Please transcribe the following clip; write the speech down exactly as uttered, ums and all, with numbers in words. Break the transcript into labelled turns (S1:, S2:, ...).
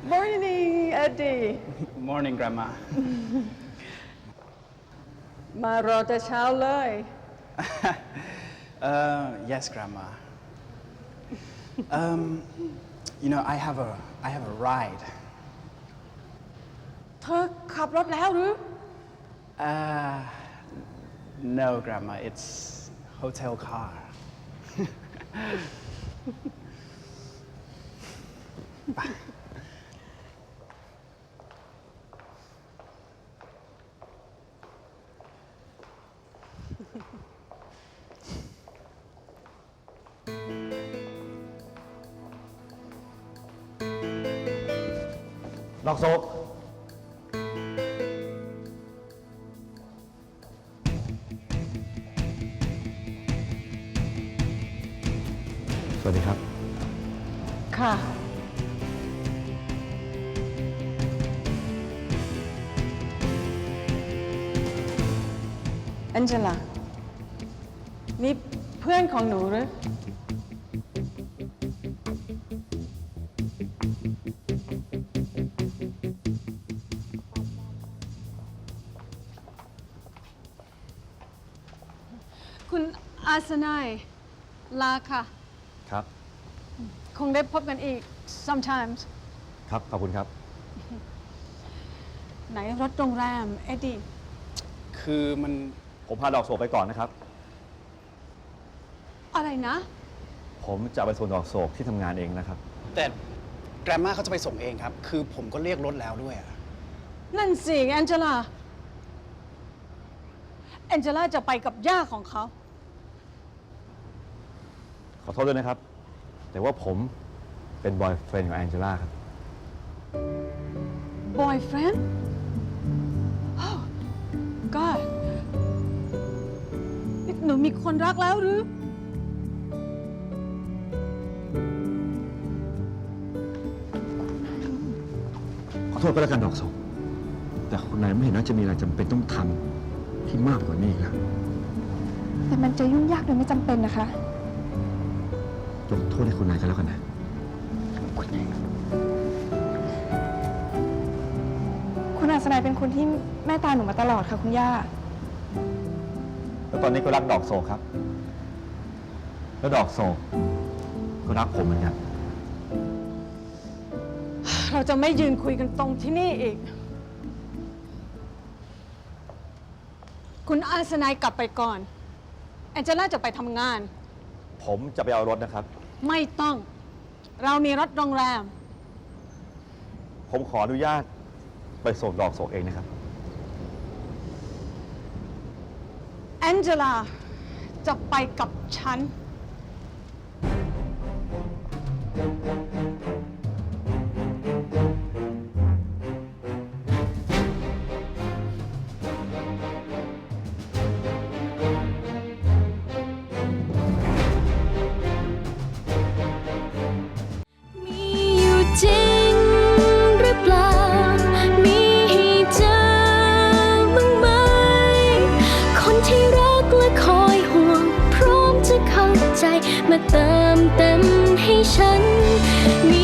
S1: Morning Eddie
S2: Morning Grandma
S1: มารอแต่เช้าเลย
S2: uh, Yes Grandma um, You know I have a I have a ride
S1: เธอขับรถแล้วหรือ
S2: uh, No Grandma it's hotel car ไป
S3: ดอกโศกสวัสดีครับ
S1: ค่ะ แอนเจล่านี่เพื่อนของหนูหรือคุณอาสนัยลาค่ะ
S3: ครับ
S1: คงได้พบกันอีก sometimes
S3: ครับ ขอบคุณครับ
S1: ไหนรถโรงแรม เอ็ดดี้
S2: คือมัน
S3: ผมพาดอกโศกไปก่อนนะครับ
S1: อะไรนะ
S3: ผมจะไปส่งดอกโศกที่ทำงานเองนะครับ
S2: แต่ Grandma เขาจะไปส่งเองครับ คือผมก็เรียกรถแล้วด้วยอะ
S1: นั่นสิแอนเจล่าแอนเจล่าจะไปกับย่าของเขา
S3: ขอโทษด้วยนะครับ แต่ว่าผมเป็นบอยเฟรนด์ของแองเจล่าครับ
S1: boyfriend oh god นี่หนูมีคนรักแล้วหรือ
S3: ขอโทษก็แล้วกันดอกโศกแต่คุณนายไม่เห็นว่าจะมีอะไรจำเป็นต้องทำที่มากกว่านี้อีกแล้ว
S4: แต่มันจะยุ่งยากโดยไม่จำเป็นนะคะ
S3: ยกโทษให้คุณนายก็แล้วกันนะ
S4: คุณอาสนัยเป็นคนที่แม่ตาหนูมาตลอดค่ะคุณย่า
S3: แล้วตอนนี้ก็รักดอกโศกครับ แล้วดอกโศกก็รักผมเหมือนกัน
S1: เราจะไม่ยืนคุยกันตรงที่นี่อีก คุณอาสนัยกลับไปก่อนแอนเจล่าจะไปทำงาน
S3: ผมจะไปเอารถนะครับ
S1: ไม่ต้อง เรามีรถโรงแรม
S3: ผมขออนุญาตไปส่งดอกโศกเองนะครับ
S1: แอนเจล่าจะไปกับฉัน
S5: มีอยู่จริงหรือเปล่า มีให้เจอบ้างไหม คนที่รักและคอยห่วง พร้อมจะเข้าใจมาเติมเต็มให้ฉันมี